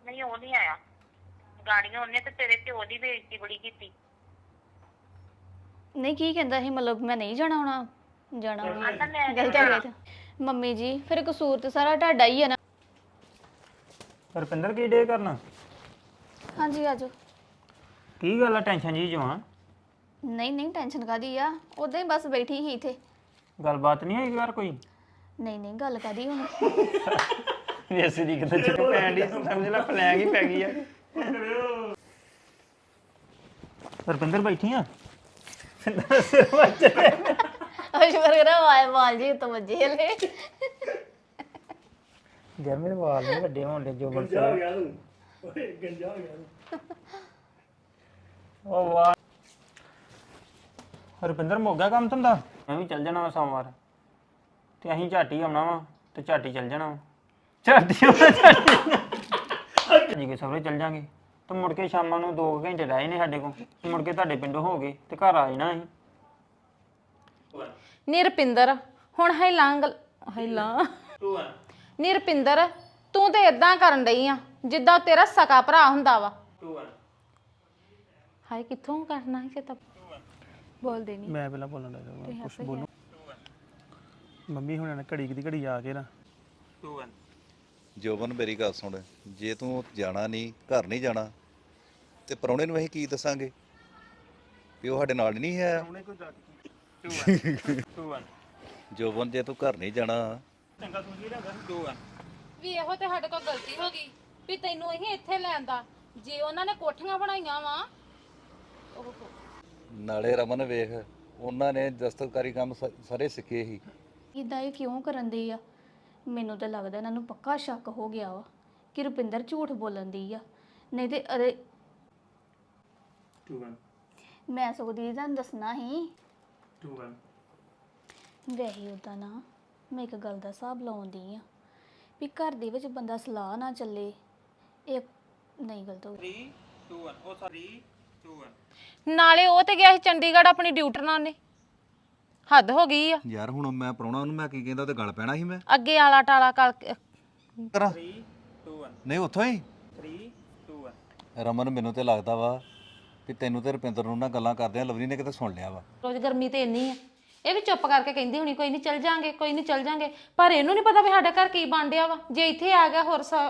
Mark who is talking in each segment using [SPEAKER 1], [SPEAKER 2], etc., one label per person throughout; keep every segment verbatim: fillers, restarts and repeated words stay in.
[SPEAKER 1] ਨਹੀਂ ਉਹ ਨਹੀਂ ਆਇਆ ਗਾੜੀਆਂ ਉਹਨੇ ਤੇ ਤੇਰੇ ਪਿਓ ਦੀ ਬੇਇੱਜ਼ਤੀ ਬੜੀ ਕੀਤੀ।
[SPEAKER 2] ਨਹੀਂ ਕੀ ਕਹਿੰਦਾ ਸੀ ਮਤਲਬ ਮੈਂ ਨਹੀਂ ਜਾਣਾ ਹੋਣਾ ਜਾਣਾ ਹੋਣਾ
[SPEAKER 1] ਆਂਦਾ ਮੈਂ ਨੀ
[SPEAKER 2] ਗਲਤ ਹੈ ਮੰਮੀ ਜੀ ਫਿਰ ਕਸੂਰ ਤੇ ਸਾਰਾ ਤੁਹਾਡਾ ਹੀ ਹੈ ਨਾ।
[SPEAKER 3] ਰੁਪਿੰਦਰ ਕੀ ਡੇ ਕਰਨਾ?
[SPEAKER 2] ਹਾਂਜੀ ਆਜੋ।
[SPEAKER 3] ਕੀ ਗੱਲ ਆ ਟੈਨਸ਼ਨ ਜੀ ਜਵਾਂ?
[SPEAKER 2] ਨਹੀਂ ਨਹੀਂ ਟੈਨਸ਼ਨ ਕਾਦੀ ਆ ਉਦਾਂ ਹੀ ਬਸ ਬੈਠੀ ਸੀ ਇੱਥੇ।
[SPEAKER 3] ਗੱਲਬਾਤ ਨਹੀਂ ਹੋਈ ਯਾਰ ਕੋਈ?
[SPEAKER 2] ਨਹੀਂ ਨਹੀਂ ਗੱਲ ਕਾਦੀ ਹੁਣ
[SPEAKER 3] ਵੈਸੇ ਦੀ ਕਿਤੇ ਚਿੱਟ ਪੈਣ ਦੀ ਸਮਝ ਲੈ ਫਲੈਗ ਹੀ ਪੈ ਗਈ ਆ। ਰੁਪਿੰਦਰ ਬੈਠੀ ਆ
[SPEAKER 2] ਅਸ਼ਵਰ ਕਰਾ ਵਾਲ ਵਾਲ ਜੀ ਤੋਂ ਵੱਜੇ ਲੈ
[SPEAKER 3] ਯਾਰ ਮੇਰੇ ਵਾਲ ਨਹੀਂ ਵੱਡੇ ਹੋਣ ਦੇ ਜੋ ਬਣ ਗਿਆ ਤੂੰ ਓਏ ਗੰਜਾ ਹੋ ਗਿਆ ਉਹ ਵਾਹ ਰੁਪਿੰਦਰ ਮੁੱਕ ਕੰਮ ਧੰਦਾ? ਮੈਂ ਵੀ ਚੱਲ ਜਾਣਾ ਵਾ ਸੋਮਵਾਰ ਤੇ ਅਸੀਂ ਝਾਟੀ ਆਉਣਾ ਵਾ ਤੇ ਝਾਟੀ ਚੱਲ ਜਾਣਾ ਵਾ ਝਾਟੀ ਆਉਣਾ ਝਾਟੀ ਜੀ ਕੇ ਸਵੇਰੇ ਚੱਲ ਜਾਾਂਗੇ ਤੇ ਮੁੜ ਕੇ ਸ਼ਾਮਾਂ ਨੂੰ ਦੋ ਘੰਟੇ ਰਹੇ ਨੇ ਸਾਡੇ ਕੋਲ ਮੁੜ ਕੇ ਤੁਹਾਡੇ ਪਿੰਡੋਂ ਹੋ ਗਏ ਤੇ ਘਰ ਆ ਜਾਣਾ ਅਸੀਂ।
[SPEAKER 4] ਨਿਰਪਿੰਦਰ ਹੁਣ ਹੈਲਾਂ ਹੈਲਾਂ ਨਿਰਪਿੰਦਰ ਤੂੰ ਤੇ ਇਦਾਂ ਕਰਨ ਡਈ ਆ ਜਿੱਦਾਂ ਤੇਰਾ ਸਕਾ ਭਰਾ ਹੁੰਦਾ ਵਾ। ਹਾਏ ਕਿੱਥੋਂ ਕਰਨਾ ਹੈ ਚੇਤਾ ਬੋਲਦੇ ਨਹੀਂ
[SPEAKER 5] ਮੈਂ ਪਹਿਲਾਂ ਬੋਲਣ ਲੱਗਾ ਕੁਝ ਬੋਲੂ ਮੰਮੀ ਹੁਣਾਂ ਨੇ ਘੜੀ ਦੀ ਘੜੀ ਆ ਕੇ ਨਾ
[SPEAKER 6] ਜੋਬਨ ਮੇਰੀ ਗੱਲ ਸੁਣ ਜੇ ਤੂੰ ਜਾਣਾ ਨਹੀਂ ਘਰ ਨਹੀਂ ਜਾਣਾ ਤੇ ਪ੍ਰਾਹੁਣੇ ਨੂੰ ਅਸੀਂ ਕੀ ਦੱਸਾਂਗੇ ਵੀ ਉਹ ਸਾਡੇ ਨਾਲ ਨਹੀਂ ਹੈ। ਜੋਬਨ ਜੇ ਤੂੰ ਘਰ ਨਹੀਂ ਜਾਣਾ
[SPEAKER 4] ਵੀ ਇਹੋ ਤੇ ਸਾਡੇ ਕੋਲ ਗਲਤੀ ਹੋ ਗਈ ਵੀ ਤੈਨੂੰ ਅਸੀਂ ਇੱਥੇ ਲੈਂਦਾ ਜੇ ਉਹਨਾਂ ਨੇ ਕੋਠੀਆਂ ਬਣਾਈਆਂ ਵਾ।
[SPEAKER 6] ਨਾਲੇ ਰਮਨ ਵੇਖ ਉਹਨਾਂ ਨੇ ਦਸਤਕਾਰੀ ਕੰਮ ਸ- ਸਾਰੇ ਸਿੱਖੇ ਸੀ।
[SPEAKER 2] ਇਦਾਂ ਇਹ ਕਿਉਂ ਕਰਨ ਦੀ ਆ? ਮੈਨੂੰ ਤਾਂ ਲੱਗਦਾ ਇਹਨਾਂ ਨੂੰ ਪੱਕਾ ਸ਼ੱਕ ਹੋ ਗਿਆ ਵਾ ਕਿ ਰੁਪਿੰਦਰ ਝੂਠ ਬੋਲਣ ਦੀ ਆ। ਨਹੀਂ ਤੇ ਅਰੇ ਮੈਂ ਸਗੋਂ ਦੀਦੀ ਤੁਹਾਨੂੰ ਦੱਸਣਾ ਸੀ ਵੈਸੇ ਉਦਾਂ ਨਾ ਮੈਂ ਇੱਕ ਗੱਲ ਦਾ ਹਿਸਾਬ ਲਾਉਂਦੀ ਆ ਵੀ ਘਰ ਦੇ ਵਿੱਚ ਬੰਦਾ ਸਲਾਹ ਨਾ ਚੱਲੇ ਇਹ ਨਹੀਂ ਗਲਤ ਹੋ ਗਈ।
[SPEAKER 4] ਨਾਲੇ ਉਹ ਤੇ ਗਿਆ ਸੀ ਚੰਡੀਗੜ੍ਹ ਆਪਣੀ ਡਿਊਟੀ ਨਾਲ ਉਹਨੇ ਹੱਦ ਹੋ ਗਈ ਆ।
[SPEAKER 6] ਯਾਰ ਹੁਣ ਮੈਂ ਪ੍ਰਾਹੁਣਾ ਨੂੰ ਮੈਂ ਕੀ ਕਹਿੰਦਾ ਤੇ ਗੱਲ ਪੈਣਾ ਸੀ ਮੈਂ
[SPEAKER 4] ਅੱਗੇ ਆਲਾ ਟਾਲਾ ਕਰ
[SPEAKER 6] ਕਰਾਂ ਨਹੀਂ ਉੱਥੋਂ ਹੀ ਰਮਨ ਮੈਨੂੰ ਤੇ ਲੱਗਦਾ ਵਾ ਵੀ ਤੈਨੂੰ ਤੇ ਰੁਪਿੰਦਰ ਨੂੰ ਨਾ ਗੱਲਾਂ ਕਰਦੇ ਆ ਲਵਲੀ ਨੇ ਕਿਤੇ ਸੁਣ ਲਿਆ ਵਾ।
[SPEAKER 4] ਰੋਜ਼ ਗਰਮੀ ਤੇ ਇੰਨੀ ਆ ਇਹ ਵੀ ਚੁੱਪ ਕਰਕੇ ਕਹਿੰਦੀ ਹੁਣੀ ਕੋਈ ਨਹੀਂ ਚੱਲ ਜਾਾਂਗੇ ਕੋਈ ਨਹੀਂ ਚੱਲ ਜਾਾਂਗੇ ਪਰ ਇਹਨੂੰ ਨਹੀਂ ਪਤਾ ਵੀ ਸਾਡਾ ਘਰ ਕੀ ਬਣ ਡਿਆ ਵਾ। ਜੇ ਇੱਥੇ ਆ ਗਿਆ ਹੋਰ ਸਾ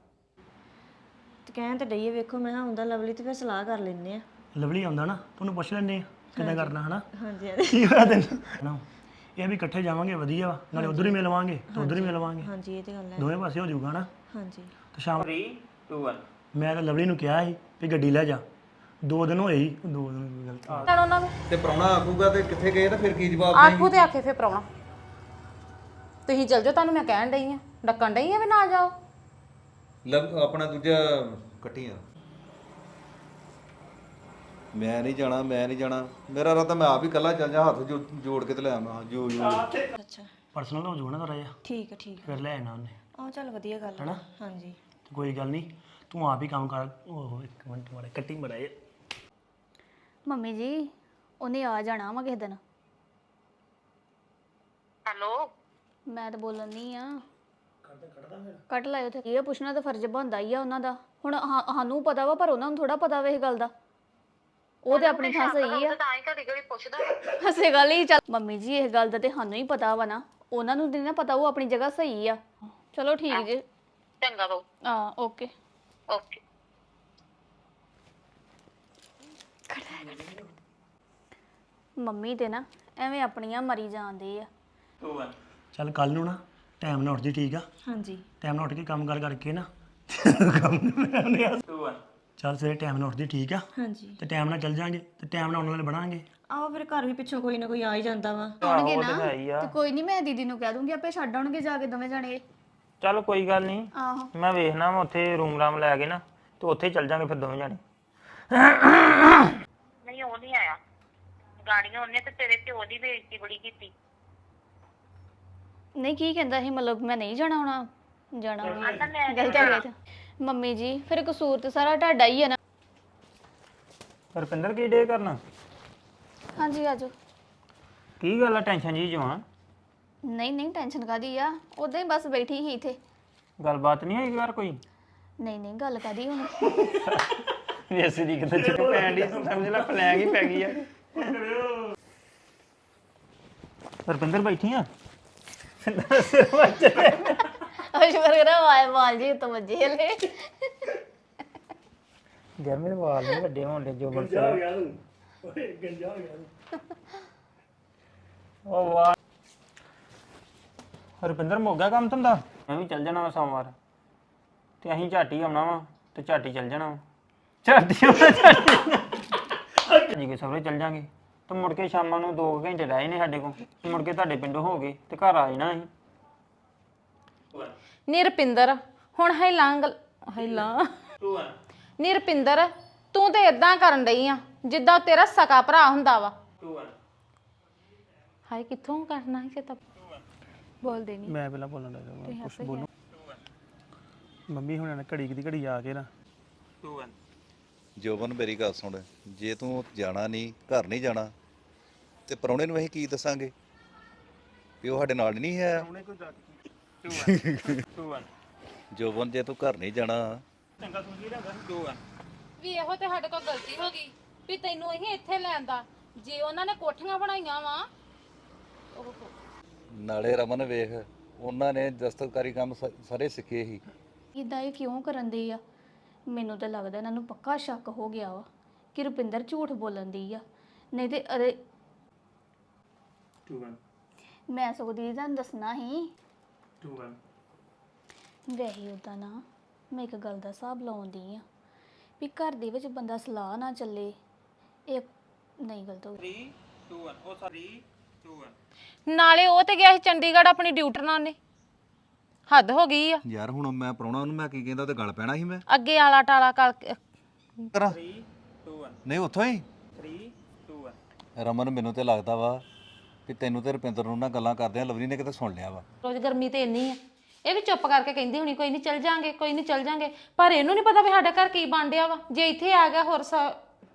[SPEAKER 7] ਤੇ ਕਹਿਣ ਤੇ ਡਈਏ ਵੇਖੋ ਮੈਂ ਆਉਂਦਾ ਲਵਲੀ ਤੇ ਫਿਰ ਸਲਾਹ ਕਰ ਲੈਨੇ ਆ।
[SPEAKER 5] ਲਵਲੀ ਆਉਂਦਾ ਨਾ ਤੁਹਾਨੂੰ ਪੁੱਛ ਲੈਂਦੇ ਆ ਕਿੱਦਾਂ ਕਰਨਾ ਹਨਾ
[SPEAKER 7] ਹਾਂਜੀ ਹਾਂਜੀ
[SPEAKER 5] ਕੀ ਹੋਇਆ ਤੈਨੂੰ ਨਾ ਇਹ ਵੀ ਇਕੱਠੇ ਜਾਵਾਂਗੇ ਵਧੀਆ ਵਾ ਨਾਲੇ ਉਧਰ ਹੀ ਮਿਲਵਾਂਗੇ ਤੇ ਉਧਰ ਹੀ ਮਿਲਵਾਂਗੇ
[SPEAKER 7] ਹਾਂਜੀ ਇਹ ਤੇ ਗੱਲ ਹੈ।
[SPEAKER 5] ਦੋਵੇਂ ਪਾਸੇ ਹੋ ਜਾਊਗਾ ਨਾ
[SPEAKER 7] ਹਾਂਜੀ
[SPEAKER 5] ਤੇ ਸ਼ਾਮ ਮੈਂ ਤਾਂ ਲਵਲੀ ਨੂੰ ਕਿਹਾ ਸੀ ਵੀ ਗੱਡੀ ਲੈ ਜਾ ਦੋ ਦਿਨ ਹੋਏ ਹੀ ਦੋ ਦਿਨ ਗਲਤ
[SPEAKER 4] ਕਰ ਉਹਨਾਂ ਨੂੰ
[SPEAKER 6] ਤੇ ਪ੍ਰਾਹੁਣਾ ਆਖੂਗਾ ਤੇ ਕਿੱਥੇ ਗਏ ਤਾਂ ਫਿਰ ਕੀ ਜਵਾਬ
[SPEAKER 4] ਆਖੂ ਤੇ ਆਖੇ ਫੇ ਪਰਾਉਣਾ ਤੁਸੀਂ ਚੱਲ ਜਾਓ ਤੁਹਾਨੂੰ ਮੈਂ ਕਹਿਣ ਡਈ ਆ ਡੱਕਣ ਡਈ ਆ ਵੀ ਨਾ ਜਾਓ।
[SPEAKER 6] ਲਵ ਆਪਣਾ ਦੂਜਾ ਕੱਟੀਆਂ ਮੈਂ ਨਹੀਂ ਜਾਣਾ ਮੈਂ ਨਹੀਂ ਜਾਣਾ ਮੇਰਾ ਰਾਤਾ ਮੈਂ ਆਪ ਹੀ ਇਕੱਲਾ ਚੱਲ ਜਾ ਹੱਥ ਜੋ- ਜੋੜ ਕੇ ਤੇ ਲੈ ਆਵਾਂ ਜੋ ਜੋ
[SPEAKER 7] ਅੱਛਾ
[SPEAKER 5] ਪਰਸਨਲ ਹੋ ਜਾਊਗਾ ਨਾ ਥੋੜਾ ਜਿਹਾ
[SPEAKER 7] ਠੀਕ ਹੈ ਠੀਕ ਹੈ।
[SPEAKER 5] ਫਿਰ ਲੈ ਆਣਾ ਉਹਨੇ
[SPEAKER 7] ਆਹ ਚੱਲ ਵਧੀਆ ਗੱਲ ਹੈ। ਹਾਂਜੀ
[SPEAKER 5] ਤੇ ਕੋਈ ਗੱਲ ਨਹੀਂ ਤੂੰ ਆਪ ਹੀ ਕੰਮ ਕਰ। ਉਹ ਇੱਕ ਮਿੰਟ ਮਾੜੇ ਕੱਟੀ ਮੜਾਏ
[SPEAKER 2] ਮੰਮੀ ਜੀ ਉਹਨੇ ਆ ਜਾਣਾ ਵਾ ਕਿਸੇ ਦਿਨ।
[SPEAKER 1] ਹੈਲੋ
[SPEAKER 2] ਮੈਂ ਤਾਂ ਬੋਲਣ ਨਹੀਂ ਆ ਕੱਟ ਲਾਇਓ ਤੇ ਇਹ ਪੁੱਛਣਾ ਤਾਂ ਫਰਜ਼ ਬਣਦਾ ਹੀ ਆ ਉਹਨਾਂ ਦਾ। ਹੁਣ ਹਾਂ- ਸਾਨੂੰ ਪਤਾ ਵਾ ਪਰ ਉਹਨਾਂ ਨੂੰ ਥੋੜਾ ਪਤਾ ਵਾ ਇਹ ਗੱਲ ਦਾ। ਉਹ ਤੇ ਆਪਣੀ ਥਾਂ ਸਹੀ ਆ।
[SPEAKER 1] ਤਾਂ ਹੀ ਘੜੀ ਘੜੀ ਪੁੱਛਦਾ
[SPEAKER 2] ਹਸੇ ਗੱਲ ਹੀ ਚੱਲ ਮੰਮੀ ਜੀ ਇਹ ਗੱਲ ਦਾ ਤੇ ਸਾਨੂੰ ਹੀ ਪਤਾ ਵਾ ਨਾ ਉਹਨਾਂ ਨੂੰ ਨਹੀਂ ਨਾ ਪਤਾ ਉਹ ਆਪਣੀ ਜਗ੍ਹਾ ਸਹੀ ਆ। ਚਲੋ ਠੀਕ ਜੇ
[SPEAKER 1] ਚੰਗਾ ਬਾਊ
[SPEAKER 2] ਹਾਂ ਓਕੇ
[SPEAKER 1] ਓਕੇ।
[SPEAKER 2] ਮੰਮੀ ਤੇ ਨਾ ਐਵੇਂ ਆਪਣੀਆਂ ਮਰੀ ਜਾਂਦੇ ਆ।
[SPEAKER 5] ਚੱਲ ਕੱਲ ਨੂੰ ਨਾ ਟਾਈਮ ਨਾਲ ਉੱਠ ਜੀ ਠੀਕ ਆ?
[SPEAKER 7] ਹਾਂਜੀ
[SPEAKER 5] ਟਾਈਮ ਨਾਲ ਉੱਠ ਕੇ ਕੰਮ ਕਰ ਕਰਕੇ ਨਾ ਕੰਮ ਨੂੰ ਚੱਲ ਸਵੇਰੇ ਟਾਈਮ ਨਾਲ ਉੱਠਦੀ ਠੀਕ ਆ?
[SPEAKER 7] ਹਾਂਜੀ
[SPEAKER 5] ਤੇ ਟਾਈਮ ਨਾਲ ਚੱਲ ਜਾਾਂਗੇ ਤੇ ਟਾਈਮ ਨਾਲ ਉਹਨਾਂ ਨਾਲ ਬਣਾਂਗੇ।
[SPEAKER 7] ਆਓ ਫਿਰ ਘਰ ਵੀ ਪਿੱਛੋਂ ਕੋਈ ਨਾ ਕੋਈ ਆ ਹੀ ਜਾਂਦਾ ਵਾ।
[SPEAKER 2] ਆਉਣਗੇ ਨਾ ਤੇ ਕੋਈ ਨਹੀਂ ਮੈਂ ਦੀਦੀ ਨੂੰ ਕਹਿ ਦੂੰਗੀ ਆਪੇ ਛੱਡ ਆਉਣਗੇ ਜਾ ਕੇ ਦੋਵੇਂ ਜਾਣੇ।
[SPEAKER 3] ਚੱਲ ਕੋਈ ਗੱਲ ਨਹੀਂ
[SPEAKER 2] ਆਹੋ
[SPEAKER 3] ਮੈਂ ਵੇਖਣਾ ਵਾ ਉੱਥੇ ਰੂਮ ਰਾਮ ਲੈ ਕੇ ਨਾ ਤੇ ਉੱਥੇ ਹੀ ਚੱਲ ਜਾਾਂਗੇ ਫਿਰ ਦੋਵੇਂ ਜਾਣੇ।
[SPEAKER 1] ਨਹੀਂ ਉਹ ਨਹੀਂ ਆਇਆ ਗਾੜੀਆਂ ਉਹਨੇ ਤੇ ਤੇਰੇ ਪਿਓ ਦੀ ਬੇਇੱਜ਼ਤੀ ਬੜੀ ਕੀਤੀ।
[SPEAKER 2] ਨਹੀਂ ਕੀ ਕਹਿੰਦਾ ਸੀ ਮਤਲਬ ਮੈਂ ਨਹੀਂ ਜਾਣਾ ਹੋਣਾ ਜਾਣਾ ਹੋਣਾ
[SPEAKER 1] ਆਂਦਾ ਮੈਂ ਨੀ
[SPEAKER 2] ਗਲਤ ਹੈ ਗਲਤ। ਮੰਮੀ ਜੀ ਫਿਰ ਕਸੂਰ ਤੇ ਸਾਰਾ ਤੁਹਾਡਾ ਹੀ ਹੈ ਨਾ।
[SPEAKER 3] ਰੁਪਿੰਦਰ ਕੀ ਡੇ ਕਰਨਾ?
[SPEAKER 2] ਹਾਂਜੀ ਆਜੋ।
[SPEAKER 3] ਕੀ ਗੱਲ ਆ ਟੈਨਸ਼ਨ ਜੀ ਜਵਾਂ?
[SPEAKER 2] ਨਹੀਂ ਨਹੀਂ ਟੈਨਸ਼ਨ ਕਾਦੀ ਆ ਉਦਾਂ ਹੀ ਬਸ ਬੈਠੀ ਸੀ ਇੱਥੇ।
[SPEAKER 3] ਗੱਲਬਾਤ ਨਹੀਂ ਹੋਈ ਯਾਰ ਕੋਈ?
[SPEAKER 2] ਨਹੀਂ ਨਹੀਂ ਗੱਲ ਕਾਦੀ ਹੁਣ
[SPEAKER 3] ਵੈਸੇ ਦੀ ਕਿਤੇ ਚਿੱਕ ਪੈਣ ਦੀ ਸਮਝ ਲੈ ਫਲੈਗ ਹੀ ਪੈ ਗਈ ਆ ਰੁਪਿੰਦਰ ਬੈਠੀ ਆ
[SPEAKER 2] ਅਸ਼ਵਰ ਕਰਾ ਵਾਲ ਵਾਲ ਜੀ ਤੋਂ ਵੱਜੇ ਲੈ
[SPEAKER 3] ਯਾਰ ਮੇਰੇ ਵਾਲ ਨਹੀਂ ਵੱਡੇ ਹੋਣ ਦੇ ਜੋ ਬਣ
[SPEAKER 5] ਜਾ ਗਿਆ ਤੂੰ ਓਏ ਗੰਜਾ ਹੋ ਗਿਆ ਤੂੰ
[SPEAKER 3] ਉਹ ਵਾਹ ਰੁਪਿੰਦਰ ਮੁੱਕ ਕੰਮ ਤੁੰਦਾ ਮੈਂ ਵੀ ਚੱਲ ਜਾਣਾ ਵਾ ਸੋਮਵਾਰ ਤੇ ਅਸੀਂ ਝਾਟੀ ਆਉਣਾ ਵਾ ਤੇ ਝਾਟੀ ਚੱਲ ਜਾਣਾ ਵਾ ਝਾਟੀ ਆਉਣਾ ਝਾਟੀ ਜੀ ਕੇ ਸਵੇਰੇ ਚੱਲ ਜਾਾਂਗੇ ਤੇ ਮੁੜ ਕੇ ਸ਼ਾਮਾਂ ਨੂੰ ਦੋ ਘੰਟੇ ਰਹੇ ਨੇ ਸਾਡੇ ਕੋਲ ਮੁੜ ਕੇ ਤੁਹਾਡੇ ਪਿੰਡੋਂ ਹੋ ਗਏ ਤੇ ਘਰ ਆ ਜਾਣਾ ਅਸੀਂ
[SPEAKER 4] ਨਿਰਪਿੰਦਰ ਹੁਣ ਹੈਲਾਂ ਗਲ ਹੈਲਾਂ ਨਿਰਪਿੰਦਰ ਤੂੰ ਤੇ ਇਦਾਂ ਕਰਨ ਡਈ ਆ ਜਿੱਦਾਂ ਤੇਰਾ ਸਕਾ ਭਰਾ ਹੁੰਦਾ ਵਾ ਹਾਏ ਕਿੱਥੋਂ ਕਰਨਾ ਹੈ ਚੇਤਾ ਬੋਲਦੇ ਨਹੀਂ
[SPEAKER 5] ਮੈਂ ਪਹਿਲਾਂ ਬੋਲਣ ਲੱਗਾ ਕੁਝ ਬੋਲੂ ਮੰਮੀ ਹੁਣਾਂ ਨੇ ਘੜੀ ਦੀ ਘੜੀ ਆ ਕੇ ਨਾ
[SPEAKER 6] ਜੋਬਨ ਮੇਰੀ ਗੱਲ ਸੁਣ ਜੇ ਤੂੰ ਜਾਣਾ ਨਹੀਂ ਘਰ ਨਹੀਂ ਜਾਣਾ ਤੇ ਪ੍ਰਾਹੁਣੇ ਨੂੰ ਅਸੀਂ ਕੀ ਦੱਸਾਂਗੇ ਵੀ ਉਹ ਸਾਡੇ ਨਾਲ ਨਹੀਂ ਹੈ ਜੋਬਨ ਜੇ ਤੂੰ ਘਰ ਨਹੀਂ ਜਾਣਾ
[SPEAKER 4] ਵੀ ਇਹੋ ਤੇ ਸਾਡੇ ਕੋਲ ਗਲਤੀ ਹੋ ਗਈ ਵੀ ਤੈਨੂੰ ਇਹ ਇੱਥੇ ਲੈਂਦਾ ਜੇ ਉਹਨਾਂ ਨੇ ਕੋਠੀਆਂ ਬਣਾਈਆਂ ਵਾ
[SPEAKER 6] ਨਾਲੇ ਰਮਨ ਵੇਖ ਉਹਨਾਂ ਨੇ ਦਸਤਕਾਰੀ ਕੰਮ ਸ- ਸਾਰੇ ਸਿੱਖੇ ਸੀ
[SPEAKER 2] ਇਦਾਂ ਇਹ ਕਿਉਂ ਕਰਨ ਦੀ ਆ ਮੈਨੂੰ ਤਾਂ ਲੱਗਦਾ ਇਹਨਾਂ ਨੂੰ ਪੱਕਾ ਸ਼ੱਕ ਹੋ ਗਿਆ ਵਾ ਕਿ ਰੁਪਿੰਦਰ ਝੂਠ ਬੋਲਣ ਦੀ ਆ ਨਹੀਂ ਤੇ ਅਰੇ ਮੈਂ ਸਗੋਂ ਦੀਦੀ ਤੁਹਾਨੂੰ ਦੱਸਣਾ ਸੀ ਵੈਸੇ ਉਦਾਂ ਨਾ ਮੈਂ ਇੱਕ ਗੱਲ ਦਾ ਹਿਸਾਬ ਲਾਉਂਦੀ ਆ ਵੀ ਘਰ ਦੇ ਵਿੱਚ ਬੰਦਾ ਸਲਾਹ ਨਾ ਚੱਲੇ ਇਹ ਨਹੀਂ ਗਲਤ ਹੋ ਗਈ
[SPEAKER 4] ਨਾਲੇ ਉਹ ਤੇ ਗਿਆ ਸੀ ਚੰਡੀਗੜ੍ਹ ਆਪਣੀ ਡਿਊਟੀ ਨਾਲ ਨੇ ਹੱਦ ਹੋ ਗਈ ਆ
[SPEAKER 6] ਯਾਰ ਹੁਣ ਮੈਂ ਪ੍ਰਾਹੁਣਾ ਨੂੰ ਮੈਂ ਕੀ ਕਹਿੰਦਾ ਤੇ ਗੱਲ ਪੈਣਾ ਸੀ ਮੈਂ
[SPEAKER 4] ਅੱਗੇ ਆਲਾ ਟਾਲਾ ਕਰ
[SPEAKER 6] ਕਰਾਂ ਨਹੀਂ ਉੱਥੋਂ ਹੀ ਰਮਨ ਮੈਨੂੰ ਤੇ ਲੱਗਦਾ ਵਾ ਕਿ ਤੈਨੂੰ ਤੇ ਰੁਪਿੰਦਰ ਨੂੰ ਨਾ ਗੱਲਾਂ ਕਰਦੇ ਆ ਲਵਲੀ ਨੇ ਕਿਤੇ ਸੁਣ ਲਿਆ ਵਾ
[SPEAKER 4] ਰੋਜ਼ ਗਰਮੀ ਤੇ ਇੰਨੀ ਆ ਇਹ ਵੀ ਚੁੱਪ ਕਰਕੇ ਕਹਿੰਦੀ ਹੁਣੀ ਕੋਈ ਨਹੀਂ ਚੱਲ ਜਾਾਂਗੇ ਕੋਈ ਨਹੀਂ ਚੱਲ ਜਾਾਂਗੇ ਪਰ ਇਹਨੂੰ ਨਹੀਂ ਪਤਾ ਵੀ ਸਾਡਾ ਘਰ ਕੀ ਬਣ ਡਿਆ ਵਾ ਜੇ ਇੱਥੇ ਆ ਗਿਆ ਹੋਰ ਸਾ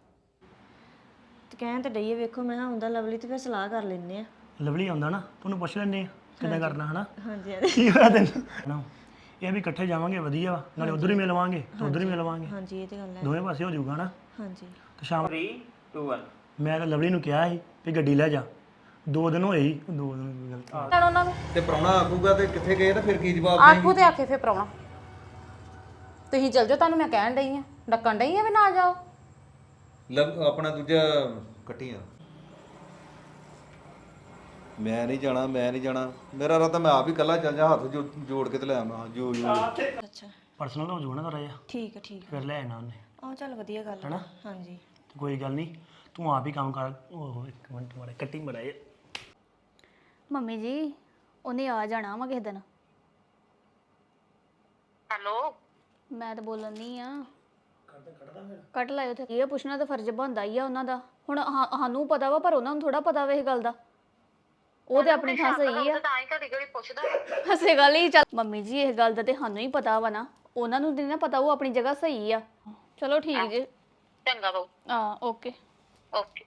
[SPEAKER 7] ਤੇ ਕਹਿਣ ਤੇ ਡਈਏ ਵੇਖੋ ਮੈਂ ਆਉਂਦਾ ਲਵਲੀ ਤੇ ਫਿਰ ਸਲਾਹ ਕਰ ਲੈਨੇ ਆ
[SPEAKER 5] ਲਵਲੀ ਆਉਂਦਾ ਨਾ ਤੁਹਾਨੂੰ ਪੁੱਛ ਲੈਣੇ ਕਿੱਦਾਂ ਕਰਨਾ ਹਨਾ
[SPEAKER 7] ਹਾਂਜੀ ਹਾਂਜੀ
[SPEAKER 5] ਕੀ ਹੋਇਆ ਤੈਨੂੰ ਨਾ ਇਹ ਵੀ ਇਕੱਠੇ ਜਾਵਾਂਗੇ ਵਧੀਆ ਵਾ ਨਾਲੇ ਉਧਰ ਹੀ ਮਿਲਵਾਂਗੇ ਤੇ ਉਧਰ ਹੀ ਮਿਲਵਾਂਗੇ
[SPEAKER 7] ਹਾਂਜੀ ਇਹ ਤੇ ਗੱਲ ਹੈ
[SPEAKER 5] ਦੋਵੇਂ ਪਾਸੇ ਹੋ ਜਾਊਗਾ ਨਾ
[SPEAKER 7] ਹਾਂਜੀ
[SPEAKER 5] ਤੇ ਸ਼ਾਮ ਮੈਂ ਤਾਂ ਲਵਲੀ ਨੂੰ ਕਿਹਾ ਸੀ ਵੀ ਗੱਡੀ ਲੈ ਜਾ ਦੋ ਦਿਨ ਹੋਏ ਹੀ ਦੋ ਦਿਨ ਗਲਤ
[SPEAKER 4] ਕਰ ਉਹਨਾਂ ਨੂੰ
[SPEAKER 6] ਤੇ ਪ੍ਰਾਹੁਣਾ ਆਖੂਗਾ ਤੇ ਕਿੱਥੇ ਗਏ ਤਾਂ ਫਿਰ ਕੀ ਜਵਾਬ
[SPEAKER 4] ਆਖੂ ਤੇ ਆਖੇ ਫੇ ਪਰਾਉਣਾ ਤੁਸੀਂ ਚੱਲ ਜਾਓ ਤੁਹਾਨੂੰ ਮੈਂ ਕਹਿਣ ਡਈ ਆ ਡੱਕਣ ਡਈ ਆ ਵੀ ਨਾ ਜਾਓ
[SPEAKER 6] ਲਵ ਆਪਣਾ ਦੂਜਾ ਕੱਟੀਆਂ ਮੈਂ ਨਹੀਂ ਜਾਣਾ ਮੈਂ ਨਹੀਂ ਜਾਣਾ ਮੇਰਾ ਰਾਤਾ ਮੈਂ ਆਪ ਹੀ ਇਕੱਲਾ ਚੱਲ ਜਾ ਹੱਥ ਜੋ- ਜੋੜ ਕੇ ਤੇ ਲੈ ਆਵਾਂ ਜੋ ਜੋ
[SPEAKER 7] ਅੱਛਾ
[SPEAKER 5] ਪਰਸਨਲ ਹੋ ਜਾਊਗਾ ਨਾ ਥੋੜਾ ਜਿਹਾ
[SPEAKER 7] ਠੀਕ ਹੈ ਠੀਕ
[SPEAKER 5] ਫਿਰ ਲੈ ਆਣਾ ਉਹਨੇ
[SPEAKER 7] ਆਹ ਚੱਲ ਵਧੀਆ ਗੱਲ ਹੈ ਹਾਂਜੀ
[SPEAKER 5] ਤੇ ਕੋਈ ਗੱਲ ਨਹੀਂ ਤੂੰ ਆਪ ਹੀ ਕੰਮ ਕਰ ਉਹ ਇੱਕ ਮਿੰਟ ਮਾਰੇ ਕੱਟੀ ਮੜਾਏ
[SPEAKER 2] ਮੰਮੀ ਜੀ ਉਹਨੇ ਆ ਜਾਣਾ ਵਾ ਕਿਸੇ ਦਿਨ
[SPEAKER 1] ਹੈਲੋ
[SPEAKER 2] ਮੈਂ ਤਾਂ ਬੋਲਣ ਨਹੀਂ ਆ ਕੱਟ ਲਾਇਓ ਤੇ ਇਹ ਪੁੱਛਣਾ ਤਾਂ ਫਰਜ਼ ਬਣਦਾ ਹੀ ਆ ਉਹਨਾਂ ਦਾ ਹੁਣ ਹਾਂ- ਸਾਨੂੰ ਪਤਾ ਵਾ ਪਰ ਉਹਨਾਂ ਨੂੰ ਥੋੜਾ ਪਤਾ ਵਾ ਇਹ ਗੱਲ ਦਾ ਉਹ ਤੇ ਆਪਣੀ ਥਾਂ ਸਹੀ ਆ
[SPEAKER 1] ਤਾਂ ਹੀ ਘੜੀ ਘੜੀ ਪੁੱਛਦਾ
[SPEAKER 2] ਹਸੇ ਗੱਲ ਹੀ ਚੱਲ ਮੰਮੀ ਜੀ ਇਹ ਗੱਲ ਦਾ ਤੇ ਸਾਨੂੰ ਹੀ ਪਤਾ ਵਾ ਨਾ ਉਹਨਾਂ ਨੂੰ ਨਹੀਂ ਨਾ ਪਤਾ ਉਹ ਆਪਣੀ ਜਗ੍ਹਾ ਸਹੀ ਆ ਚਲੋ ਠੀਕ ਜੇ
[SPEAKER 1] ਚੰਗਾ ਬਾਊ
[SPEAKER 2] ਹਾਂ ਓਕੇ
[SPEAKER 1] ਓਕੇ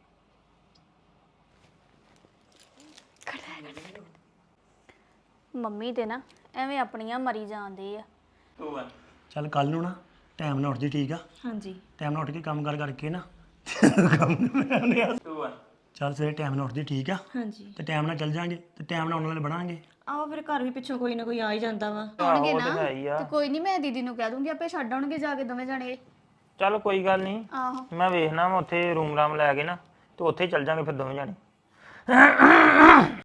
[SPEAKER 2] ਮੰਮੀ ਤੇ ਨਾ ਐਵੇਂ ਆਪਣੀਆਂ ਮਰੀ ਜਾਂਦੇ ਆ
[SPEAKER 5] ਚੱਲ ਕੱਲ ਨੂੰ ਨਾ ਟਾਈਮ ਨਾਲ ਉੱਠ ਜੀ ਠੀਕ ਆ
[SPEAKER 7] ਹਾਂਜੀ
[SPEAKER 5] ਟਾਈਮ ਨਾਲ ਉੱਠ ਕੇ ਕੰਮ ਕਰ ਕਰਕੇ ਨਾ ਕੰਮ ਨੂੰ ਆ ਚੱਲ ਸਵੇਰੇ ਟਾਈਮ ਨਾਲ ਉੱਠਦੀ ਠੀਕ ਆ
[SPEAKER 7] ਹਾਂਜੀ
[SPEAKER 5] ਤੇ ਟਾਈਮ ਨਾਲ ਚੱਲ ਜਾਾਂਗੇ ਤੇ ਟਾਈਮ ਨਾਲ ਉਹਨਾਂ ਨਾਲ ਬਣਾਂਗੇ
[SPEAKER 7] ਆਓ ਫਿਰ ਘਰ ਵੀ ਪਿੱਛੋਂ ਕੋਈ ਨਾ ਕੋਈ ਆ ਹੀ ਜਾਂਦਾ ਵਾ
[SPEAKER 2] ਆਉਣਗੇ ਨਾ ਤੇ ਕੋਈ ਨਹੀਂ ਮੈਂ ਦੀਦੀ ਨੂੰ ਕਹਿ ਦੂੰਗੀ ਆਪੇ ਛੱਡ ਆਉਣਗੇ ਜਾ ਕੇ ਦੋਵੇਂ ਜਾਣੇ
[SPEAKER 3] ਚੱਲ ਕੋਈ ਗੱਲ ਨਹੀਂ
[SPEAKER 2] ਆਹੋ
[SPEAKER 3] ਮੈਂ ਵੇਖਣਾ ਵਾ ਉੱਥੇ ਰੂਮ ਰਾਮ ਲੈ ਕੇ ਨਾ ਤੇ ਉੱਥੇ ਚੱਲ ਜਾਾਂਗੇ ਫਿਰ ਦੋਵੇਂ ਜਾਣੇ